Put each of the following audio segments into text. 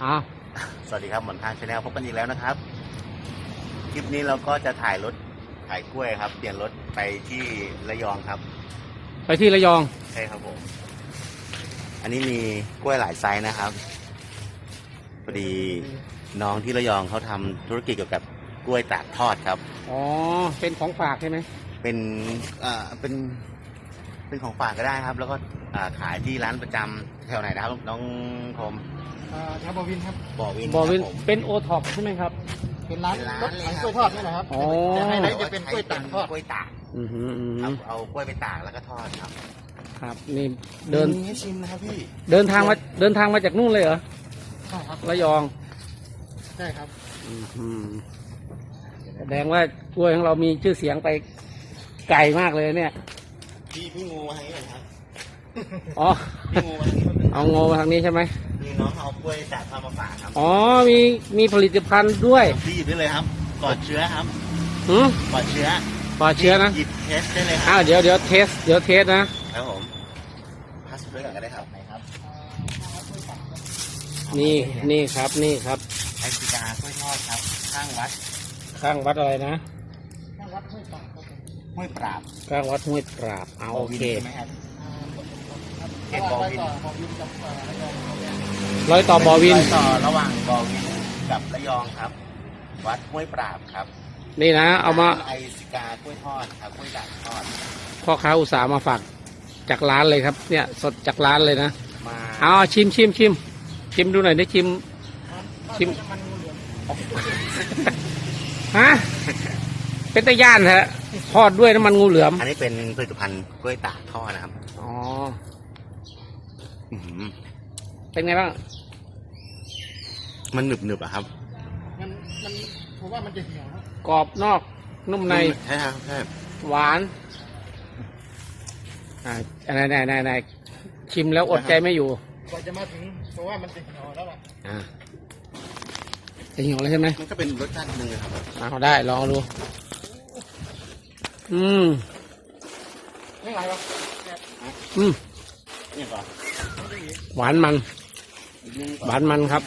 อ้าวสวัสดีครับหมอนข้างชาแนลพบกันอีกแล้วนะครับคลิปนี้เราก็จะถ่ายกล้วยครับเปลี่ยนรถไปที่ระยองครับไปที่ระยองใช่ครับผมอันนี้มีกล้วยหลายไซส์นะครับพอดีน้องที่ระยองเขาทำธุรกิจเกี่ยวกับกล้วยตากทอดครับอ๋อเป็นของฝากใช่ไหมเป็นเป็นของฝากก็ได้ครับแล้วก็ขายที่ร้านประจำแถวไหนนะครับน้องคมแถวบอวินครับบอวินเป็นโอท็อปใช่ไหมครับเป็นร้านรถขายกล้วยทอดนี่แหละครับแต่ให้ไหนจะเป็นกล้วยตากทอดกล้วยตากเอากล้วยไปตากแล้วก็ทอดครับครับนี่เดินให้ชิมนะครับพี่เดินทางมาจากนู่นเลยเหรอใช่ครับระยองใช่ครับแสดงว่ากล้วยของเรามีชื่อเสียงไปไกลมากเลยเนี่ยพี่งูมาทางนี้ครับอ๋อเอางูมาทางนี้ใช่ไหมมีน้องเอากล้วยตากทอดมาฝากครับอ๋อมีผลิตภัณฑ์ด้วยพี่หยิบได้เลยครับปลอดเชื้อครับปลอดเชื้อนะหยิบเทสได้เลยครับเดี๋ยวเทสนะครับผมพัสด้วยกันก็ได้ครับไหนครับนี่ครับไอซิกากล้วยทอดครับข้างวัดอะไรนะข้างวัดห้วยปราบข้างวัดห้วยปราบโอเคเขตบอวินร้อยต่อบอวินต่อระหว่างบอวินกับระยองครับวัดห้วยปราบครับนี่นะเอามาไอซิกากล้วยทอดครับกล้วยด่างทอดพ่อค้าอุตสาห์มาฝากจากร้านเลยครับเนี่ยสดจากร้านเลยนะเอาชิมดูหน่อยได้ชิมฮะเป็นตะย่านฮะทอดด้วยน้ำมันงูเหลือมอันนี้เป็นผลิตภัณฑ์กล้วยตากทอดนะครับอ๋อเป็นไงบ้างมันหนึบอะครับมันผมว่ามันจะเหี่ยวกรอบนอกนุ่มในใช่ครับใช่หวานไหนชิมแล้วอดใจไม่อยู่กว่าจะมาถึงเพราะว่ามันจะเหี่ยวแล้วล่ะจะเหี่ยวแล้วใช่ไหมมันก็เป็นรสชาตินึงครับเอาได้ลองดูไม่ไหวหรอกนี่ก่อนหวานมันครับ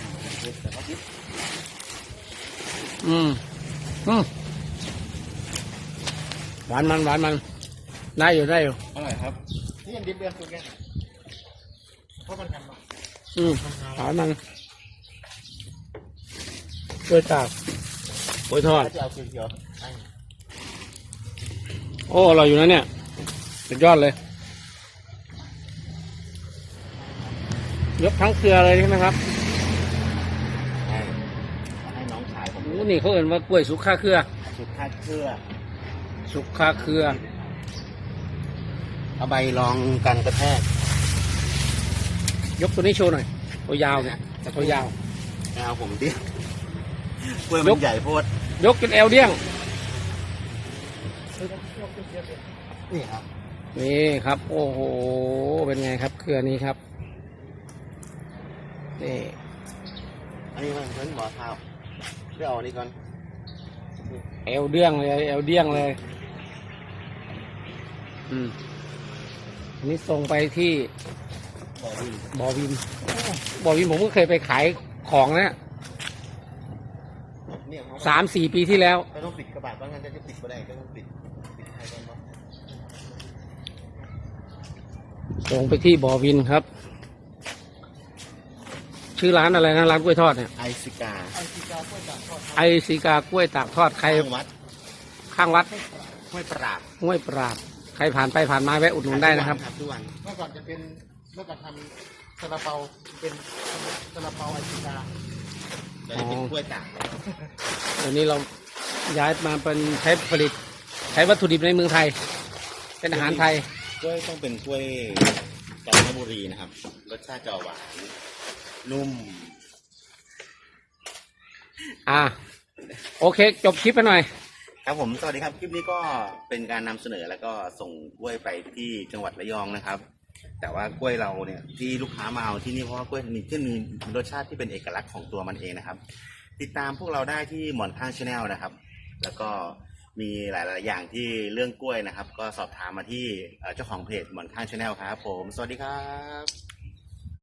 หวานมันได้อยู่อร่อยครับนี่ยังดิบเดือนตัวแกเพราะมันกันมาหวานมันกล้วยตากกล้วยทอดโอ้อร่อยอยู่นะเนี่ยสุดยอดเลยยกทั้งเครือเลยใช่ไหมครับให้น้องชายผมนี่เขาเอ่ยว่ากล้วยสุกค่าเครือเอาใบรองกันกระแทกยกตัวนี้โชว์หน่อยตัวยาวเนี่ยตัวยาวเอาผมดิกล้วยมันใหญ่โพดยกจนเอวเดี้ยงนี่ครับโอ้โหเป็นไงครับเครือนี้ครับนี่อันนี้มันเป็นหมอเท้าเดี๋ยวเอาอันนี้ก่อนเอวเดี้ยงเลยอันนี้ส่งไปที่บอวินผมก็เคยไปขายของนะ3-4 ปีที่แล้วต้องปิดกระบะบ้างงั้นจะปิดก็ได้ต้องปิดให้ก่อนเนาะส่งไปที่บอวินครับชื่อร้านอะไรนะร้านกล้วยทอดเนี่ยไอซิกากล้วยตากทอดข้างวัดห้วยปราบใครผ่านไปผ่านมาแวะอุดหนุนได้นะครับเมื่อก่อนจะเป็นเมื่อก่อนทำซาลาเปาเป็นซาลาเปาไอซิกาเป็นกล้วยตากเดี๋ยวนี้เราย้ายมาเป็นใช้วัตถุดิบในเมืองไทยเป็นอาหารไทยกล้วยต้องเป็นกล้วยกาญจนบุรีนะครับรสชาติจะหวานนุ่มโอเคจบคลิปไปหน่อยครับผมสวัสดีครับคลิปนี้ก็เป็นการนำเสนอแล้วก็ส่งกล้วยไปที่จังหวัดระยองนะครับแต่ว่ากล้วยเราเนี่ยที่ลูกค้ามาเอาที่นี่เพราะว่ากล้วยมีรสชาติที่เป็นเอกลักษณ์ของตัวมันเองนะครับติดตามพวกเราได้ที่หมอนข้างชาแนลนะครับแล้วก็มีหลายๆอย่างที่เรื่องกล้วยนะครับก็สอบถามมาที่เจ้าของเพจหมอนข้างชาแนลครับผมสวัสดีครับ